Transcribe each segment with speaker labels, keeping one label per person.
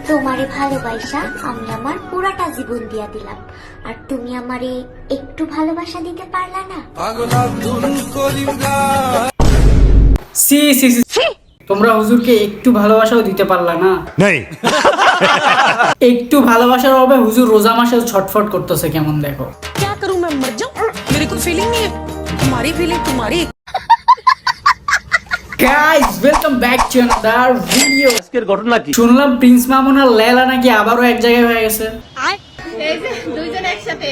Speaker 1: তোমারে ভালোবাসা আমি আমার পুরাটা জীবন দিয়া দিলাম, আর তুমি আমারে একটু ভালোবাসা দিতে পারলা না?
Speaker 2: সি সি সি, তোমরা হুজুরকে একটু ভালোবাসাও দিতে পারলা না? একটু ভালোবাসার অভাবে হুজুর রোজা মাসে ছটফট করতেছে কেমন দেখো।
Speaker 3: क्या करूं मैं, मर जाऊं? मेरी कोई फीलिंग नहीं है, तुम्हारी फीलिंग तुम्हारी।
Speaker 2: Guys welcome back to another video.
Speaker 4: আজকের ঘটনা কি?
Speaker 2: শুনলাম প্রিন্স মামুন আর লেলা নাকি আবারও এক জায়গায় হয়ে গেছে।
Speaker 5: এই যে দুইজন একসাথে।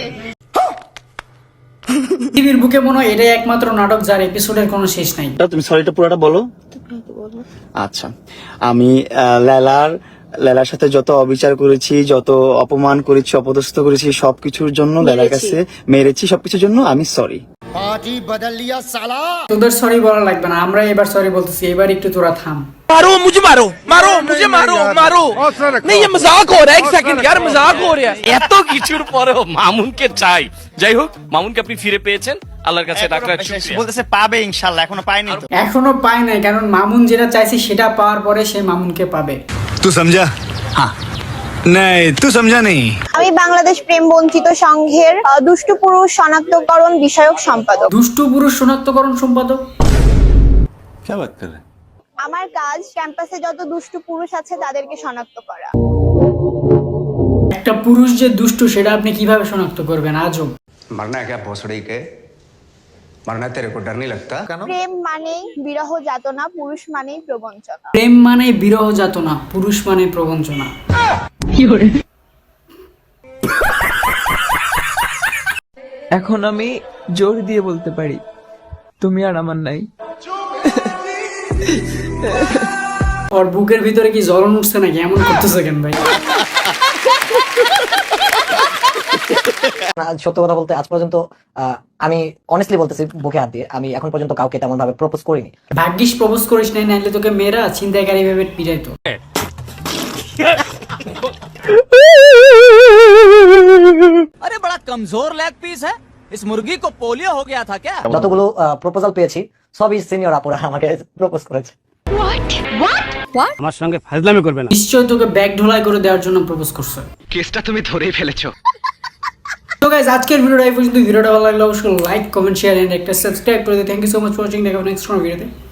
Speaker 2: টিভির বুকে মনে হয় এটাই একমাত্র নাটক যার এপিসোডের কোনো শেষ নাই।
Speaker 4: তুমি সরিটা পুরোটা বলো। আচ্ছা, আমি লেলার সাথে যত অবিচার করেছি, যত অপমান করেছি, অপদস্থ করেছি, সবকিছুর জন্য লেলার কাছে মেরেছি, সবকিছুর জন্য আমি সরি।
Speaker 2: তোদের সরি বলা লাগবে না, আমরা এবার সরি বলতেছি। এবার একটু তোরা থাম।
Speaker 6: मारो मुझे, मारो मारो मुझे, मारो मारो। नहीं ये मजाक हो रहा है, एक सेकंड यार, मजाक हो रहा है।
Speaker 7: এত কিছুর পরেও মামুনকে চাই। যাই হোক, মামুনকে আপনি ফিরে পেয়েছেন, আল্লাহর কাছে লাখ লাখ শুকরিয়া।
Speaker 4: বলতেছে পাবে ইনশাআল্লাহ, এখনো পাইনি তো।
Speaker 2: এখনো পায় নাই, কারণ মামুন যেটা চাইছে সেটা পাওয়ার পরে সে মামুনকে পাবে।
Speaker 8: तू समझा? हाँ नहीं तू समझा नहीं।
Speaker 9: আমি বাংলাদেশ প্রেম বঞ্চিত সংঘের দুষ্টু পুরুষ শনাক্তকরণ বিষয়ক সম্পাদক।
Speaker 2: দুষ্টু পুরুষ শনাক্তকরণ সম্পাদক?
Speaker 8: क्या बात कर रहे हैं?
Speaker 9: আমার কাজ ক্যাম্পাসে যত দুষ্টু পুরুষ আছে তাদেরকে শনাক্ত করা।
Speaker 2: একটা পুরুষ যে দুষ্টু সেটা আপনি কিভাবে শনাক্ত করবেন? আজব।
Speaker 10: मरना है क्या भोसड़ी के? मरना तेरे को डर नहीं लगता?
Speaker 9: প্রেম মানেই বিরহ যাতনা, পুরুষ মানেই প্রবঞ্চনা।
Speaker 2: প্রেম মানে বিরহ যাতনা, পুরুষ মানে প্রবঞ্চনা।
Speaker 3: এখন আমি জোর দিয়ে বলতে পারি তুমি আর আমার নাই।
Speaker 2: ওর বুকের ভিতরে কি জ্বলন উঠছে নাকি? এমন করতেছে কেন ভাই?
Speaker 11: সত্য কথা বলতে আজ পর্যন্ত আমি অনেস্টলি বলতেছি বুকে হাত দিয়ে, আমি এখন পর্যন্ত কাউকে তেমন ভাবে প্রপোজ করিনি।
Speaker 2: ভাগ্যিস প্রপোজ করিস নাই, নাইলে তোকে মেয়েরা ছিনতাইকারী ভেবে পিটাইতো।
Speaker 6: अरे बड़ा कमजोर लेग पीस है, इस मुर्गी को पोलियो हो गया था क्या?
Speaker 11: যতগুলো প্রপোজাল পেয়েছি সবই সিনিয়র আপুরা আমাকে প্রপোজ করেছে।
Speaker 4: আমার সঙ্গে ফাজলামি করবে না।
Speaker 2: নিশ্চয় তোকে ব্যাগ ঢোলাই করে দেওয়ার জন্য প্রপোজ করছে।
Speaker 10: केसটা তুমি ধরেই ফেলেছো।
Speaker 2: তো গাইস আজকের ভিডিওটা এই পর্যন্ত। ভিডিওটা ভালো লাগলে অবশ্যই লাইক, কমেন্ট, শেয়ার এন্ড একটা সাবস্ক্রাইব করে দিও। Thank you so much for watching. দেখা হবে নেক্সট ভিডিওতে।